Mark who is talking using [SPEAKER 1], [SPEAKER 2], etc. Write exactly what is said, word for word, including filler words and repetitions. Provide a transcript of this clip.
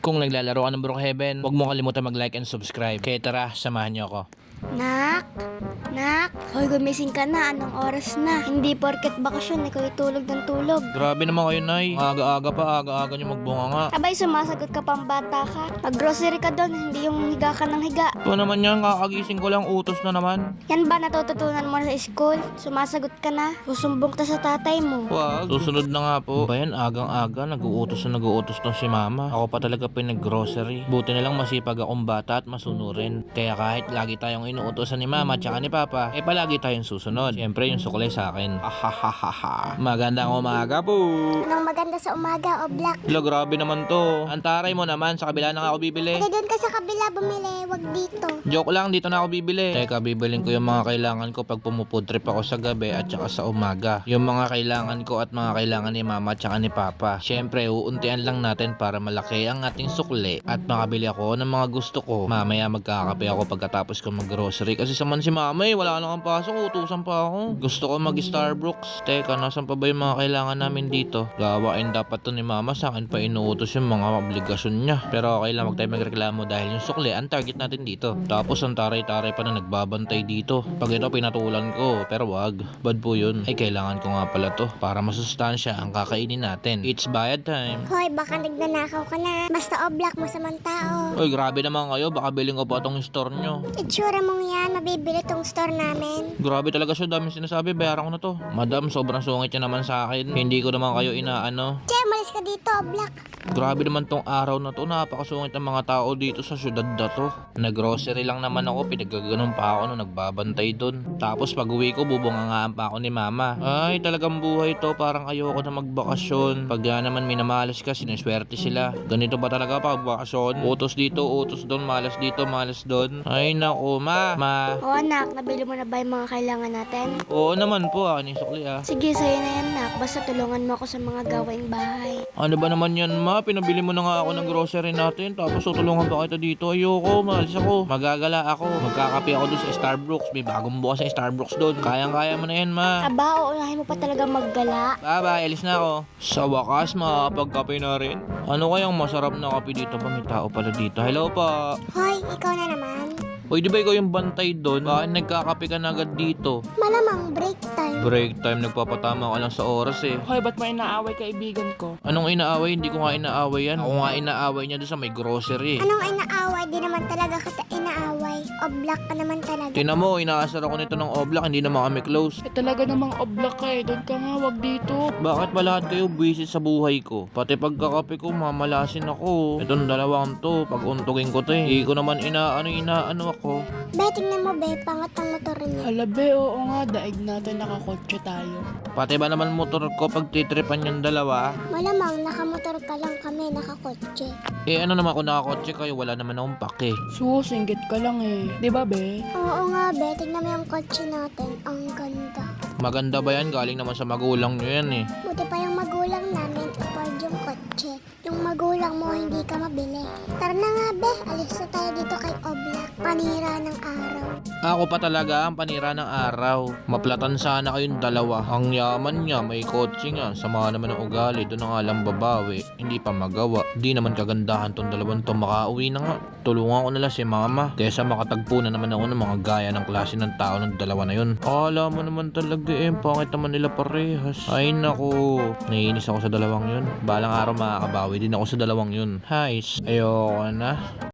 [SPEAKER 1] Kung naglalaro ka ng Brookhaven, huwag mo kalimutan mag-like and subscribe. Kaya tara, samahan niyo ako.
[SPEAKER 2] Nak? Nak? Hoy, gumising ka na. Anong oras na? Hindi porket bakasyon, ikaw tulog ng tulog.
[SPEAKER 1] Grabe naman kayo, Nay. Aga-aga pa, aga-aga niyo magbunga nga.
[SPEAKER 2] Abay, sumasagot ka pang bata ka. Mag-grocery ka doon, hindi yung higa ka ng higa.
[SPEAKER 1] Ito naman yan, kakagising ko lang, utos na naman.
[SPEAKER 2] Yan ba natututunan mo na sa school? Sumasagot ka na. Susumbong ka sa tatay mo.
[SPEAKER 1] Wag, susunod na nga po. Bayan, agang-aga, nag-uutos na nag-uutos tong si Mama. Ako pa talaga pinag-grocery. Buti na lang masipag akong bata at masunurin. Kaya kahit lagi tayong inuutosan ni Mama at ni Papa, eh palagi tayong susunod. Siyempre, yung suklay sa akin. Ahahaha. Magandang umaga po.
[SPEAKER 2] Anong maganda sa umaga, o Black?
[SPEAKER 1] Lo, grabe naman to. Antaray mo naman, sa kabila na nga ako bibili.
[SPEAKER 2] Pwede doon ka sa kabila bumili, wag dito.
[SPEAKER 1] Joke lang, dito na ako bibili. Teka, bibilin ko yung mga kailangan ko pag pumufood trip ako sa gabi at saka sa umaga. Yung mga kailangan ko at mga kailangan ni Mama at saka ni Papa. Siyempre, uuntian lang natin para malaki ang ating sukli at makabili ako ng mga gusto ko. Mamaya magkakape ako pagkatapos ko mag-grocery. Kasi saman si Mama eh, wala nang pasok, utusan pa ako. Gusto ko mag-Starbucks. Teka, nasan pa ba yung mga kailangan namin dito? Gawain dapat to ni Mama, sa akin pa inuutos yung mga obligasyon niya. Pero okay lang, wag tayo magreklamo dahil yung sukli ang target natin dito. Tapos ang taray-taray pa na nagbabantay dito. Pag ito pinatulan ko, pero wag, bad po yun. Ay kailangan ko nga pala to para masustansya ang kakainin natin. It's bayad time.
[SPEAKER 2] Hoy, baka nagnanakaw ka na. Basta o Black mo sa mga tao.
[SPEAKER 1] Oy, grabe naman kayo, baka bilhin ko pa tong store nyo.
[SPEAKER 2] Itsura mong yan, mabibili tong store namin.
[SPEAKER 1] Grabe talaga siya, daming sinasabi, bayaran ko na to. Madam, sobrang sungit niya naman sa akin. Hindi ko naman kayo inaano.
[SPEAKER 2] Che, malis ka dito, o Black.
[SPEAKER 1] Grabe naman tong araw na to, napakasungit ng mga tao dito sa syudad na to. Nag-grocery lang naman ako, pinagaganon pa ako nung nagbabantay dun. Tapos pag uwi ko, bubungangaan pa ako ni Mama. Ay, talagang buhay to, parang ayoko na magbakasyon. Pag yan naman minamalas ka, siniswerte sila. Ganito ba talaga pag bakasyon? Utos dito, utos doon, malas dito, malas doon. Ay naku, Ma, Ma.
[SPEAKER 2] O anak, nabili mo na ba yung mga kailangan natin?
[SPEAKER 1] Oo naman po, akin yung sukli ah.
[SPEAKER 2] Sige, sa'yo na yan, nak. Basta tulungan mo ako sa mga gawaing bahay.
[SPEAKER 1] Ano ba naman yan, Ma? Pinabili mo na nga ako ng grocery natin, tapos tutulungan pa kita dito. Ayoko, malis ako. Magagala ako. Magkakape ako doon sa Starbucks. May bagong bukas sa Starbucks doon. Kayang-kaya mo na yan, Ma.
[SPEAKER 2] Aba, uunahin mo pa talaga maggala.
[SPEAKER 1] Bye-bye, alis na ako. Sa wakas, makakapagkape na rin. Ano kayang masarap na kape dito pa? May tao pala dito. Hello pa.
[SPEAKER 2] Hoy, ikaw na naman.
[SPEAKER 1] Uy, di ba ikaw yung bantay doon? Bakit nagkakape ka na agad dito?
[SPEAKER 2] Malamang break time.
[SPEAKER 1] Break time, nagpapatama ka lang sa oras eh.
[SPEAKER 3] Hoy, ba't mo inaaway kaibigan ko?
[SPEAKER 1] Anong inaaway? Hindi ko nga inaaway yan. Ako nga inaaway niya doon sa may grocery.
[SPEAKER 2] Anong inaaway? Di naman talaga kita inaaway. O Black ka naman talaga.
[SPEAKER 1] Tingnan mo, inaasar ako nito ng oblak, hindi naman kami close.
[SPEAKER 3] Eh talaga namang oblak ka eh. Doon ka nga, wag dito.
[SPEAKER 1] Bakit ba lahat kayo busy sa buhay ko? Pati pagkakape ko, mamalasin ako. Itong dalawang to, pag untugin ko to eh. Hindi ko naman inaano, inaano ako.
[SPEAKER 2] Be, tingnan mo be, pangat ang motor niya.
[SPEAKER 3] Hala be, oo nga. Daig natin nakakotse tayo.
[SPEAKER 1] Pati ba naman motor ko pag titripan yung dalawa?
[SPEAKER 2] Malamang nakamotor ka lang kami, nakakotse.
[SPEAKER 1] Eh ano naman kung nakakotse kayo, wala naman akong pake.
[SPEAKER 3] Sus, inggit ka lang eh. Di ba be?
[SPEAKER 2] Oo nga be, tingnan mo yung kotse natin. Ang ganda.
[SPEAKER 1] Maganda ba yan? Galing naman sa magulang nyo yan eh.
[SPEAKER 2] Buti pa yung magulang namin, afford yung kotse. Yung magulang mo, hindi ka mabili. Tara na nga be, alis na tayo dito kay Oblak. Panira ng araw.
[SPEAKER 1] Ako pa talaga ang panira ng araw. Maplatan sana kayong dalawa. Ang yaman niya, may kotse nga. Sama naman ng ugali, doon ang alam babawi. Hindi pa magawa. Di naman kagandahan tong dalawang to, makauwi na nga. Tulungan ko na lang si Mama. Kesa makatagpo na naman ako ng mga gaya ng klase ng tao ng dalawa na yun. Akala mo naman talaga eh, pangit naman nila parehas. Ay naku, naiinis ako sa dalawang yun. Balang araw makakabawi din ako sa dalawang yun. Hays, ayoko na.